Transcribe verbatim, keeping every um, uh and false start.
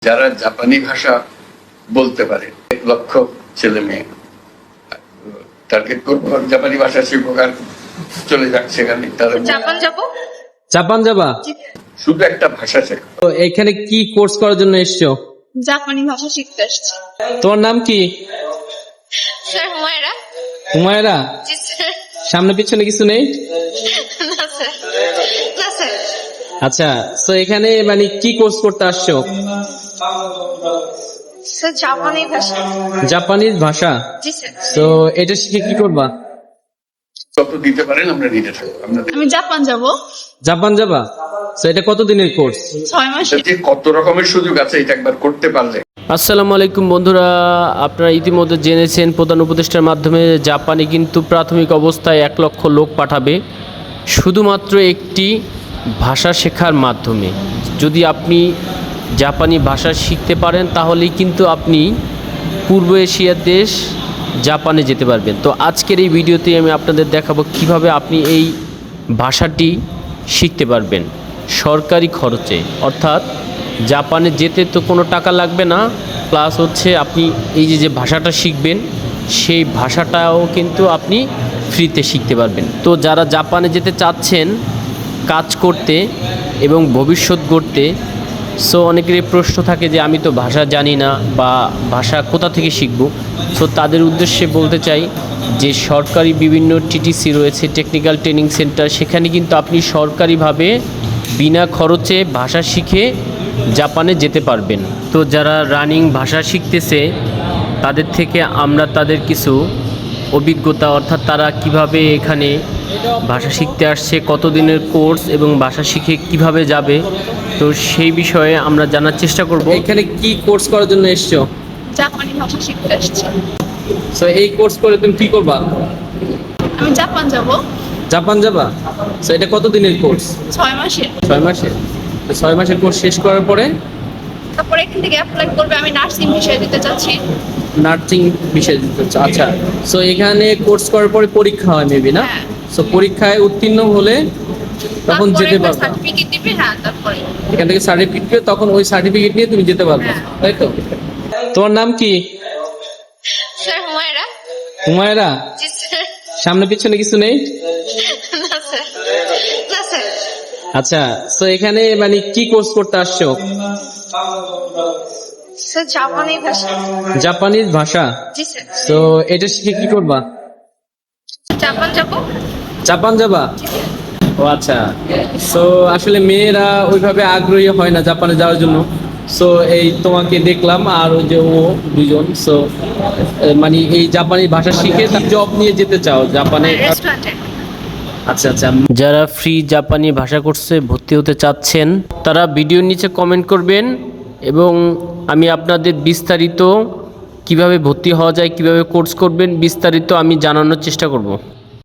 যারা জাপানি ভাষা বলতে পারে এক লক্ষ ছেলে মেয়ে টার্গেট করবো, জাপানি ভাষা শিখবো আর চলে যাক সেখানে। তারা জাপান যাবো। জাপান যাবা? শুধু একটা ভাষা শেখো। তো এখানে কি কোর্স করার জন্য এসছো? জাপানি ভাষা শিখতে আসছি। তোমার নাম কি? স্যার হুমায়রা। হুমায়রা? জি স্যার। সামনে পিছনে কিছু নেই? না স্যার, না স্যার। আচ্ছা, তো এখানে মানে কি কোর্স করতে আসছো? স্যার জাপানি ভাষা। জাপানিজ ভাষা? জি স্যার। তো এটা শিখে কি করবা? কত দিতে পারেন আমরা নিতে থাকবো। আমরা আমি জাপান যাব। জাপান যাবা? তো এটা কত দিনের কোর্স? ছয় মাসে। যে কত রকমের সুযোগ আছে এটা একবার করতে পারলে। আসসালামু আলাইকুম বন্ধুরা, আপনারা ইতিমধ্যে জেনেছেন প্রধান উপদেষ্টার মাধ্যমে জাপানে কিন্তু প্রাথমিক অবস্থায় এক লক্ষ লোক পাঠাবে শুধুমাত্র একটি ভাষা শেখার মাধ্যমে। যদি আপনি জাপানি ভাষা শিখতে পারেন তাহলেই কিন্তু আপনি পূর্ব এশিয়ার দেশ জাপানে যেতে পারবেন। তো আজকের এই ভিডিওতে আমি আপনাদের দেখাবো কিভাবে আপনি এই ভাষাটি শিখতে পারবেন সরকারি খরচে, অর্থাৎ জাপানে যেতে তো কোনো টাকা লাগবে না, প্লাস হচ্ছে আপনি এই যে যে ভাষাটা শিখবেন সেই ভাষাটাও কিন্তু আপনি ফ্রিতে শিখতে পারবেন। তো যারা জাপানে যেতে চাচ্ছেন কাজ করতে এবং ভবিষ্যৎ গড়তে, সো অনেকেরই প্রশ্ন থাকে যে আমি তো ভাষা জানি না বা ভাষা কোথা থেকে শিখব। সো তাদের উদ্দেশ্যে বলতে চাই যে সরকারি বিভিন্ন টিটিসি রয়েছে, টেকনিক্যাল ট্রেনিং সেন্টার, সেখানে কিন্তু আপনি সরকারিভাবে বিনা খরচে ভাষা শিখে জাপানে যেতে পারবেন। তো যারা রানিং ভাষা শিখতেছে তাদের থেকে আমরা তাদের কিছু অভিজ্ঞতা, অর্থাৎ তারা কিভাবে এখানে ভাষা শিখতে আসছে, কতদিনের কোর্স এবং ভাষা শিখে কিভাবে যাবে, তো সেই বিষয়ে আমরা জানার চেষ্টা করব। এখানে কি কোর্স করার জন্য এসছো? জাপানি ভাষা শিখতে আসছি। তো এই কোর্স করে তুমি কি করবা? আমি জাপান যাব। জাপান যাবা? তো এটা কত দিনের কোর্স? ছয় মাসে। ছয় মাসের? তো ছয় মাসের কোর্স শেষ করার পরে তারপরে এখান থেকে অ্যাপ্লাই করবে। আমি নার্সিং বিষয়ে দিতে চাচ্ছি। নার্সিং বিষয় দিতে চাও? আচ্ছা, সো এখানে কোর্স করার পরে পরীক্ষা হয় মেবি, না? হ্যাঁ। সো পরীক্ষায় উত্তীর্ণ হলে তখন যেতে পারবে। সার্টিফিকেট দিবে। হ্যাঁ, তারপরে এখান থেকে সার্টিফিকেট পেয়ে তখন ওই সার্টিফিকেট নিয়ে তুমি যেতে পারবে, হ্যাঁ। তাই তো? তোমার নাম কি? স্যার হুমায়রা। হুমায়রা? জি স্যার। সামনে পিছনে কিছু নেই? না স্যার, না স্যার। আচ্ছা, সো এখানে মানে কি কোর্স করতে আসছো? স্যার জাপানি ভাষা। জাপানিজ ভাষা? জি স্যার। তো এটা শিখে কি করবা? জাপান যাব। জাপান যাবা? ও আচ্ছা, সো আসলে মেয়েরা ওইভাবে আগ্রহী হয় না জাপানে যাওয়ার জন্য। সো এই তোমাকে দেখলাম আর ওই যে ও দুজন, সো মানে এই জাপানি ভাষা শিখে জব নিয়ে যেতে চাও জাপানে? রেস্টুরেন্টে। আচ্ছা আচ্ছা। যারা ফ্রি জাপানি ভাষা কোর্সে ভর্তি হতে চাচ্ছেন তারা ভিডিওর নিচে কমেন্ট করবেন এবং আমি আপনাদের বিস্তারিত কিভাবে ভর্তি হওয়া যায়, কিভাবে কোর্স করবেন বিস্তারিত আমি জানানোর চেষ্টা করব।